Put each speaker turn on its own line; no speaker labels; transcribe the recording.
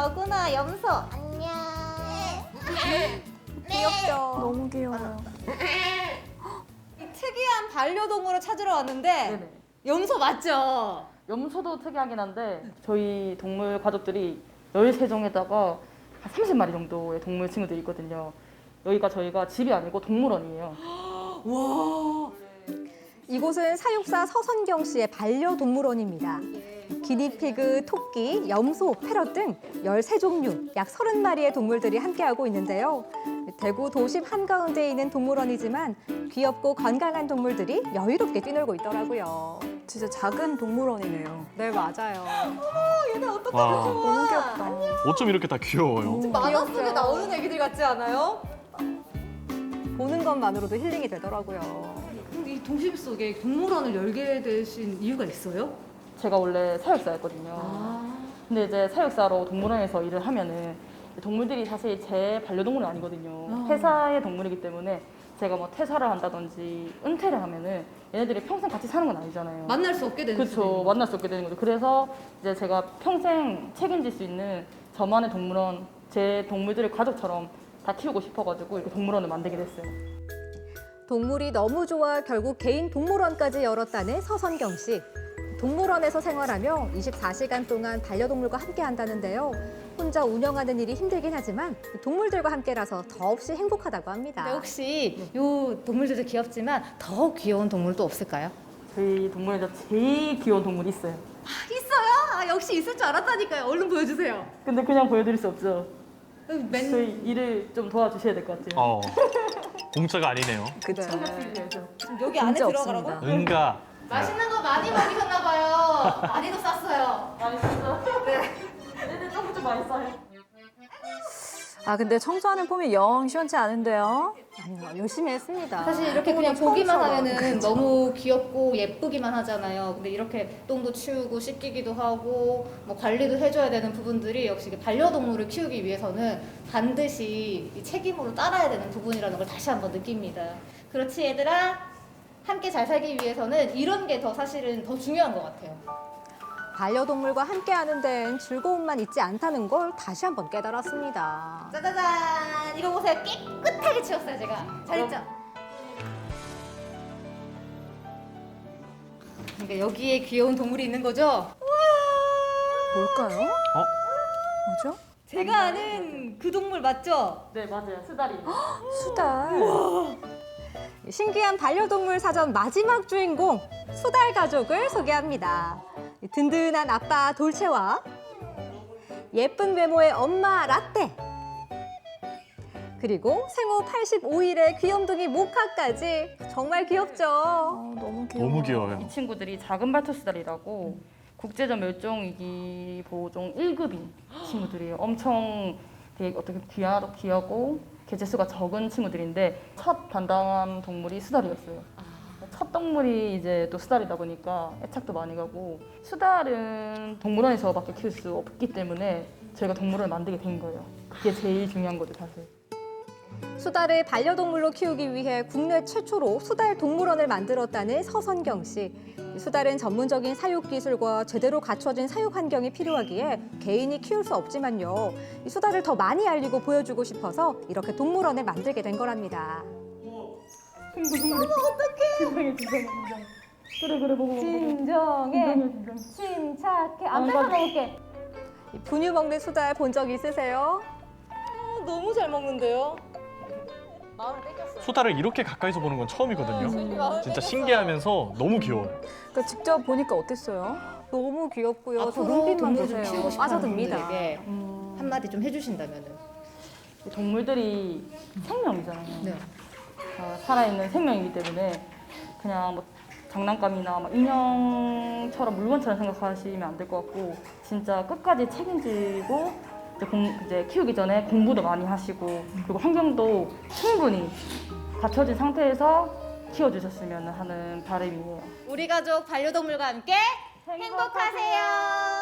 너구나, 염소. 안녕.
귀엽죠?
너무 귀여워요.
이 특이한 반려동물을 찾으러 왔는데
네네.
염소 맞죠?
염소도 특이하긴 한데 저희 동물 가족들이 13종에다가 한 30마리 정도의 동물 친구들이 있거든요. 여기가 저희가 집이 아니고 동물원이에요.
와.
이곳은 사육사 서선경 씨의 반려동물원입니다. 기니피그, 토끼, 염소, 패럿 등 13종류, 약 30마리의 동물들이 함께하고 있는데요. 대구 도심 한가운데에 있는 동물원이지만 귀엽고 건강한 동물들이 여유롭게 뛰놀고 있더라고요.
진짜 작은 동물원이네요.
네, 맞아요.
얘네 어떡하면
와.
좋아.
너무 귀엽다.
어쩜 이렇게 다 귀여워요?
만화 속에
귀엽죠?
나오는 애기들 같지 않아요?
보는 것만으로도 힐링이 되더라고요.
근데 이 도심 속에 동물원을 열게 되신 이유가 있어요?
제가 원래 사육사였거든요.
아.
근데 이제 사육사로 동물원에서 일을 하면은 동물들이 사실 제 반려동물은 아니거든요. 회사의 동물이기 때문에 제가 뭐 퇴사를 한다든지 은퇴를 하면은 얘네들이 평생 같이 사는 건 아니잖아요.
만날 수 없게 되는
그렇죠. 만날 수 없게 되는 거죠. 그래서 이제 제가 평생 책임질 수 있는 저만의 동물원, 제 동물들을 가족처럼 다 키우고 싶어가지고 이렇게 동물원을 만들게 됐어요.
동물이 너무 좋아 결국 개인 동물원까지 열었다는 서선경 씨. 동물원에서 생활하며 24시간 동안 반려동물과 함께 한다는데요. 혼자 운영하는 일이 힘들긴 하지만 동물들과 함께라서 더없이 행복하다고 합니다.
근데 혹시 요 동물들도 귀엽지만 더 귀여운 동물도 없을까요?
저희 동물원에서 제일 귀여운 동물이 있어요.
있어요? 아, 역시 있을 줄 알았다니까요. 얼른 보여주세요.
근데 그냥 보여드릴 수 없죠.
맨...
저희 일을 좀 도와주셔야 될 것 같아요.
공짜가 아니네요.
그쵸.
여기 안에
문제
들어가라고?
없습니다.
응가.
맛있는 거 많이 먹이셨나 봐요. 많이도 쌌어요.
맛있어? 네. 얘들 조금 좀 맛있어요.
아, 근데 청소하는 폼이 영 시원치 않은데요?
아니요, 열심히 했습니다.
사실 이렇게 그냥 보기만
처음처럼.
하면은 너무 귀엽고 예쁘기만 하잖아요. 근데 이렇게 똥도 치우고 씻기기도 하고 뭐 관리도 해줘야 되는 부분들이 역시 반려동물을 키우기 위해서는 반드시 이 책임으로 따라야 되는 부분이라는 걸 다시 한번 느낍니다. 그렇지 얘들아? 함께 잘 살기 위해서는 이런 게 더 사실은 더 중요한 것 같아요.
반려동물과 함께하는 데엔 즐거움만 있지 않다는 걸 다시 한번 깨달았습니다.
짜자잔! 이거 보세요. 깨끗하게 치웠어요, 제가. 잘했죠? 그러니까 여기에 귀여운 동물이 있는 거죠?
뭘까요? 뭐죠?
제가 아는 그 동물 맞죠?
네, 맞아요. 수다리.
수달.
신기한 반려동물 사전 마지막 주인공 수달 가족을 소개합니다. 든든한 아빠 돌체와 예쁜 외모의 엄마 라떼, 그리고 생후 85일의 귀염둥이 모카까지 정말 귀엽죠?
너무 귀여워.
너무 귀여워요.
이 친구들이 작은 발토수달이라고 국제적 멸종위기 보호종 1급인 친구들이에요. 엄청 되게 어떻게 귀하고 개체수가 적은 친구들인데 첫 반당한 동물이 수달이었어요. 첫 동물이 이제 또 수달이다 보니까 애착도 많이 가고 수달은 동물원에서밖에 키울 수 없기 때문에 저희가 동물원을 만들게 된 거예요. 그게 제일 중요한 거죠, 사실.
수달을 반려동물로 키우기 위해 국내 최초로 수달 동물원을 만들었다는 서선경 씨. 수달은 전문적인 사육 기술과 제대로 갖춰진 사육 환경이 필요하기에 개인이 키울 수 없지만요. 이 수달을 더 많이 알리고 보여주고 싶어서 이렇게 동물원을 만들게 된 거랍니다.
진정해. 그래 보고.
진정해, 침착해. 안 뺏어 먹을게. 분유 먹는 수달 본 적 있으세요?
너무 잘 먹는데요?
수다를 이렇게 가까이서 보는 건 처음이거든요. 진짜 신기하면서 너무 귀여워요.
그러니까 직접 보니까 어땠어요?
너무 귀엽고요. 저
앞으로
눈빛만
동물 좀
보세요.
키우고 싶은
빠져듭니다.
분들에게 한마디 좀 해주신다면은.
동물들이 생명이잖아요.
네.
살아있는 생명이기 때문에 그냥 뭐 장난감이나 막 인형처럼 물건처럼 생각하시면 안 될 것 같고 진짜 끝까지 책임지고 이제 키우기 전에 공부도 많이 하시고 그리고 환경도 충분히 갖춰진 상태에서 키워주셨으면 하는 바람이에요.
우리 가족 반려동물과 함께 행복하세요.